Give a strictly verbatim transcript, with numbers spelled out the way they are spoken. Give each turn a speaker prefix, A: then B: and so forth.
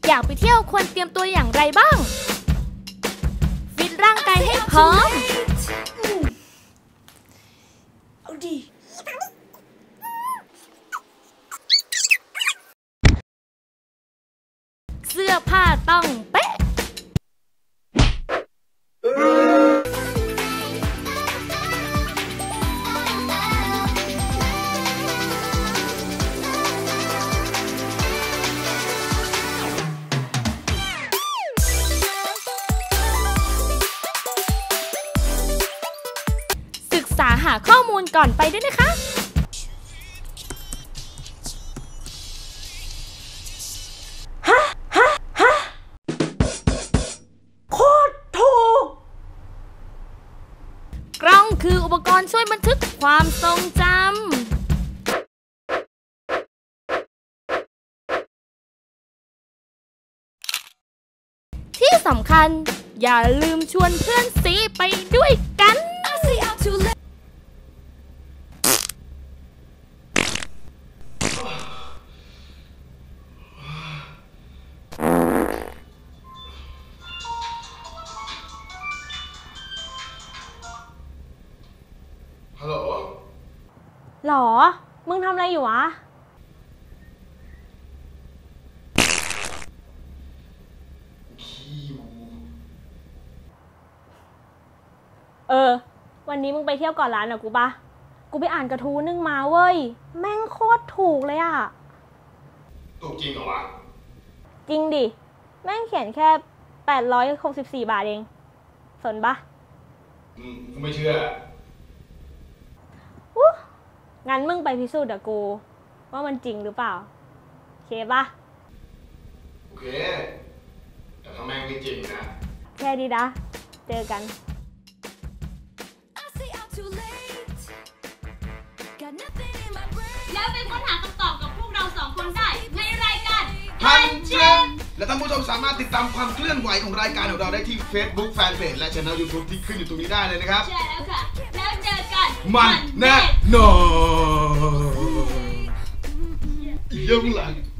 A: อยากไปเที่ยวควรเตรียมตัวอย่างไรบ้างฟิตร่างกายให้พร้อมเอาดิเสื้อผ้าต้องเป๊ะศึกษาหาข้อมูลก่อนไปด้วยนะคะกล้องคืออุปกรณ์ช่วยบันทึกความทรงจำที่สำคัญอย่าลืมชวนเพื่อนซีไปด้วยกัน
B: ฮัลโหล
C: หรอมึงทำอะไรอยู่วะเออวันนี้มึงไปเที่ยวก่อนร้านอะกูปะกูไปอ่านกระทู้นึงมาเว้ยแม่งโคตรถูกเลยอะ
B: ถูกจริงเหรอวะ
C: จริงดิแม่งเขียนแค่แปดร้อยหกสิบสี่บาทเองสนปะ
B: อืมกูไม่เชื่อ
C: งั้นมึงไปพิสูจน์กับกูว่ามันจริงหรือเปล่าโอเคปะ
B: โอเคแต่ถ้าแม่งไม่จริงนะ
C: แค่ดีนะเจอกัน
A: แล้วไปค้นหาคำตอบกับพวกเราสองคนได้ในรายการ
B: พันเจมและท่านผู้ชมสามารถติดตามความเคลื่อนไหวของรายการของเราได้ที่ Facebook Fanpage และ Channel YouTube ที่ขึ้นอยู่ตรงนี้ได้เลยนะครับ
A: ใช่แล้วค่ะแล้วเจอกัน
B: มันแน่นอนเยี่ยมหลัง